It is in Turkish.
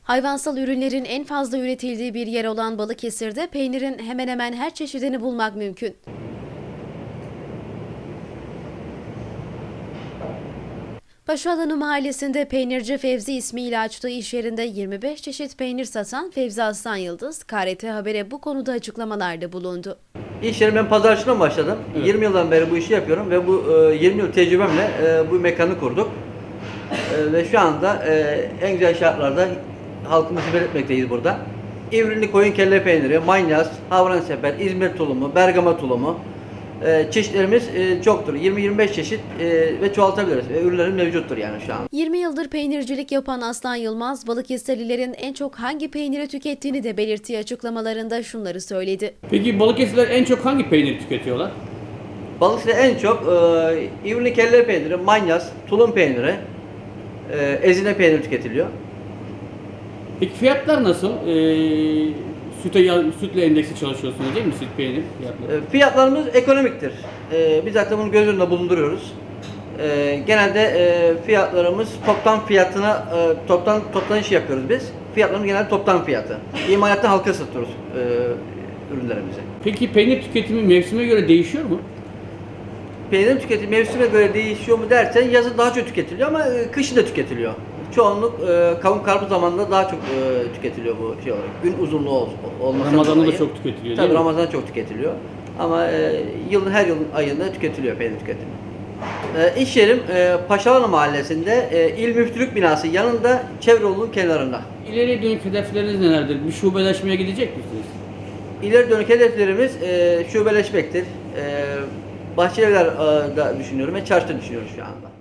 Hayvansal ürünlerin en fazla üretildiği bir yer olan Balıkesir'de peynirin hemen hemen her çeşidini bulmak mümkün. Paşaalanı mahallesinde peynirci Fevzi ismiyle açtığı iş yerinde 25 çeşit peynir satan Fevzi Aslan Yıldız, KRT Haber'e bu konuda açıklamalarda bulundu. İş yerim ben pazarcılığına başladım. Evet. 20 yıldan beri bu işi yapıyorum ve bu 20 yıl tecrübemle bu mekanı kurduk. Ve şu anda en güzel şartlarda halkımızı belirtmekteyiz burada. İvrinli koyun kelle peyniri, manyas, havranseper, İzmir tulumu, Bergama tulumu çeşitlerimiz çoktur. 20-25 çeşit ve çoğaltabiliriz. Ürünlerin mevcuttur yani şu an. 20 yıldır peynircilik yapan Aslan Yılmaz, Balıkesirlilerin en çok hangi peyniri tükettiğini de belirttiği açıklamalarında şunları söyledi. Peki Balıkesirliler en çok hangi peyniri tüketiyorlar? Balıkesir'de en çok İvrinli kelle peyniri, manyas, tulum peyniri, ezine peyniri tüketiliyor. Peki fiyatlar nasıl? Sütle endeksli çalışıyorsunuz değil mi süt peynir fiyatları? Fiyatlarımız ekonomiktir. Biz zaten bunu göz önünde bulunduruyoruz. Genelde fiyatlarımız toptan fiyatına toptan iş yapıyoruz biz. Fiyatlarımız genelde toptan fiyatı. İmalattan halka satıyoruz ürünlerimizi. Peki peynir tüketimi mevsime göre değişiyor mu? Peynir tüketimi mevsime göre değişiyor mu dersen yazın daha çok tüketiliyor ama kışın da tüketiliyor. Çoğunluk kavun karpuz zamanında daha çok tüketiliyor bu şey olarak. Gün uzunluğu olması Ramazan'da dolayı. da çok tüketiliyor Tabii değil mi? Ramazan'da çok tüketiliyor. Ama yılın her yılın ayında tüketiliyor peynir tüketimi. İş yerim Paşaalanı mahallesinde İl Müftülük binası yanında çevre yolunun kenarında. İleriye dönük hedefleriniz nelerdir? Bir şubeleşmeye gidecek misiniz? İleri dönük hedeflerimiz şubeleşmektir. Bahçelievler da düşünüyorum ve çarşıda düşünüyoruz şu anda.